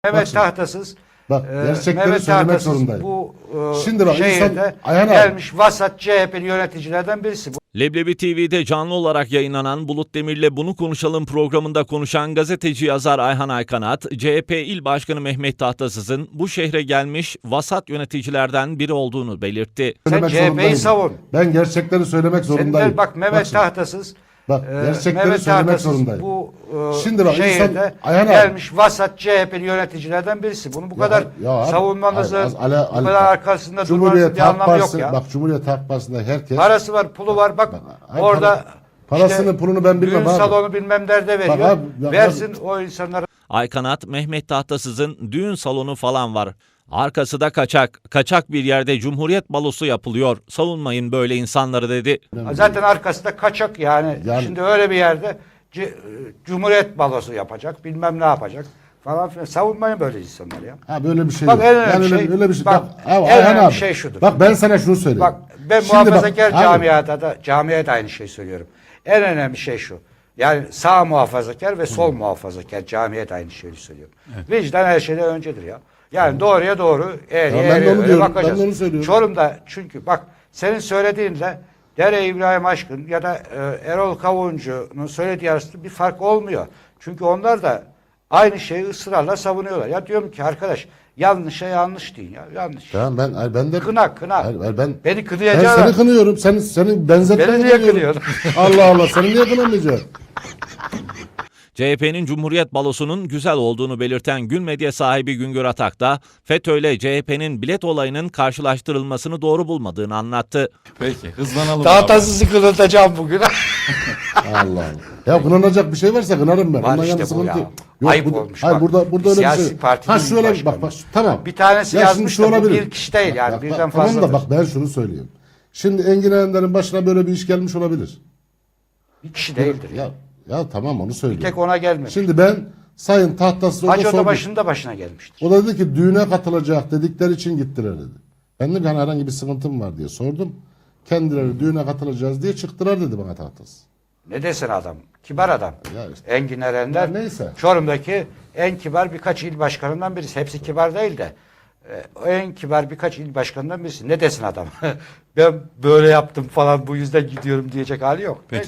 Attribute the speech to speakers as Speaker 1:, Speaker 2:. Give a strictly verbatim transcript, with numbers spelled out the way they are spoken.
Speaker 1: Mehmet
Speaker 2: şimdi.
Speaker 1: Tahtasız
Speaker 2: Bak,
Speaker 1: e,
Speaker 2: gerçekleri
Speaker 1: Mehmet
Speaker 2: söylemek
Speaker 1: Tahtasız
Speaker 2: zorundayım.
Speaker 1: bu e,
Speaker 2: Şimdi bak,
Speaker 1: şehirde
Speaker 2: insan- Ayhan abi.
Speaker 1: gelmiş vasat C H P'li yöneticilerden birisi. Bu
Speaker 3: Leblebi T V'de canlı olarak yayınlanan Bulut Demir'le Bunu Konuşalım programında konuşan gazeteci yazar Ayhan Aykanat, C H P İl Başkanı Mehmet Tahtasız'ın bu şehre gelmiş vasat yöneticilerden biri olduğunu belirtti.
Speaker 1: Sen
Speaker 2: Söylemek
Speaker 1: C H P'yi
Speaker 2: zorundayım.
Speaker 1: savun.
Speaker 2: Ben gerçekleri söylemek
Speaker 1: Senin
Speaker 2: zorundayım.
Speaker 1: de bak Mehmet
Speaker 2: şimdi.
Speaker 1: Tahtasız
Speaker 2: Bak,
Speaker 1: e,
Speaker 2: gerçekleri
Speaker 1: Mehmet
Speaker 2: söylemek
Speaker 1: Tahtasız
Speaker 2: zorundayım.
Speaker 1: bu e,
Speaker 2: Şimdi bak, insan-
Speaker 1: şehirde
Speaker 2: Ayhan abi.
Speaker 1: gelmiş vasat C H P'li yöneticilerden birisi. Bunu bu
Speaker 2: Ya-
Speaker 1: kadar
Speaker 2: ya abi,
Speaker 1: savunmanızın,
Speaker 2: hayır, az- Ali-
Speaker 1: bu
Speaker 2: Ali-
Speaker 1: kadar arkasında durmanızın
Speaker 2: Cumhuriyet
Speaker 1: bir
Speaker 2: Halk
Speaker 1: anlamı yok
Speaker 2: Partisi,
Speaker 1: ya.
Speaker 2: bak Cumhuriyet Halk Partisi'nde herkes
Speaker 1: Parası var, pulu var. Bak
Speaker 2: Hayır,
Speaker 1: orada
Speaker 2: para- parasını, pulunu ben bilmem
Speaker 1: düğün
Speaker 2: abi.
Speaker 1: salonu bilmem nerede veriyor.
Speaker 2: abi, ya
Speaker 1: Versin o insanlara.
Speaker 3: Aykanat, Mehmet Tahtasız'ın düğün salonu falan var. Arkası da kaçak. Kaçak bir yerde Cumhuriyet balosu yapılıyor. Savunmayın böyle insanları dedi.
Speaker 1: Zaten arkasında kaçak yani.
Speaker 2: Yani-
Speaker 1: Şimdi öyle bir yerde C- Cumhuriyet balosu yapacak, bilmem ne yapacak falan filan. Savunmayın böyle insanlar ya.
Speaker 2: Ha böyle bir şey
Speaker 1: Bak,
Speaker 2: yok.
Speaker 1: en önemli
Speaker 2: öyle,
Speaker 1: şey-
Speaker 2: öyle bir şey.
Speaker 1: bak,
Speaker 2: Bak, abi,
Speaker 1: en
Speaker 2: Ayhan
Speaker 1: önemli
Speaker 2: abi.
Speaker 1: şey şudur.
Speaker 2: Bak ben sana şunu söyleyeyim.
Speaker 1: Bak ben
Speaker 2: Şimdi bak,
Speaker 1: muhafazakar
Speaker 2: abi,
Speaker 1: camiada da camiye de aynı şeyi söylüyorum. En önemli şey şu. Yani sağ muhafazakar ve sol muhafazakar camiye de aynı şeyi söylüyorum. Vicdan her şeyden öncedir ya. Yani doğruya doğru eğriye
Speaker 2: Ya ben de
Speaker 1: eğriye
Speaker 2: onu
Speaker 1: öyle
Speaker 2: diyorum,
Speaker 1: bakacağız.
Speaker 2: ben de onu söylüyorum.
Speaker 1: Çorum'da çünkü bak senin söylediğinle Dere İbrahim Aşkın ya da e, Erol Kavuncu'nun söylediği arasında bir fark olmuyor. Çünkü onlar da aynı şeyi ısrarla savunuyorlar. Ya diyorum ki arkadaş yanlışa yanlış deyin ya. Yanlış.
Speaker 2: Tamam ben hayır, ben de
Speaker 1: Kına kına.
Speaker 2: Hayır, hayır, ben
Speaker 1: Beni
Speaker 2: ben
Speaker 1: kınayacağım.
Speaker 2: seni kınıyorum. Senin senin benzetmeni
Speaker 1: Beni niye
Speaker 2: kınıyorum.
Speaker 1: kınıyorsun?
Speaker 2: Allah Allah, seni niye kınamayacağım?
Speaker 3: C H P'nin Cumhuriyet balosunun güzel olduğunu belirten Gül Medya sahibi Güngör Atak da FETÖ ile C H P'nin bilet olayının karşılaştırılmasını doğru bulmadığını anlattı.
Speaker 4: Peki hızlanalım.
Speaker 1: Daha
Speaker 4: abi.
Speaker 1: tasızı kınatacağım bugün.
Speaker 2: Allah Allah. Ya kınanacak bir şey varsa kınarım ben.
Speaker 1: Var
Speaker 2: Ondan
Speaker 1: işte
Speaker 2: yana
Speaker 1: bu
Speaker 2: sıkıntı
Speaker 1: ya.
Speaker 2: yok.
Speaker 1: Ayıp
Speaker 2: burada,
Speaker 1: olmuş
Speaker 2: hayır,
Speaker 1: bak.
Speaker 2: burada burada
Speaker 1: Bir
Speaker 2: öyle bir
Speaker 1: siyasi
Speaker 2: şey.
Speaker 1: partinin
Speaker 2: Ha şöyle
Speaker 1: başkanı.
Speaker 2: bak bak tamam.
Speaker 1: Bir tanesi
Speaker 2: Ya
Speaker 1: yazmış
Speaker 2: şimdi şu
Speaker 1: da bu
Speaker 2: olabilir.
Speaker 1: bir kişi değil yani,
Speaker 2: Bak,
Speaker 1: birden
Speaker 2: bak, tamam da
Speaker 1: fazladır.
Speaker 2: bak ben şunu söyleyeyim. Şimdi Engin Erenler'in başına böyle bir iş gelmiş olabilir.
Speaker 1: Bir kişi değildir.
Speaker 2: Ya ya tamam onu
Speaker 1: Bir
Speaker 2: söylüyorum.
Speaker 1: tek ona gelmemiş.
Speaker 2: Şimdi ben Sayın Tahtasız orada
Speaker 1: Hacı
Speaker 2: sordum.
Speaker 1: Odabaşı'nın da başına gelmiştir.
Speaker 2: O da dedi ki düğüne katılacak dedikleri için gittiler dedi. Ben de hani herhangi bir sıkıntım var diye sordum. Kendileri düğüne katılacağız diye çıktılar dedi bana Tahtasız.
Speaker 1: Ne desin adam? Kibar adam.
Speaker 2: Ya işte.
Speaker 1: Engin Erenler.
Speaker 2: Ya neyse.
Speaker 1: Çorum'daki en kibar birkaç il başkanından birisi. Hepsi kibar değil de. e, En kibar birkaç il başkanından birisi. Ne desin adam? Ben böyle yaptım falan bu yüzden gidiyorum diyecek hali yok.
Speaker 4: Peki.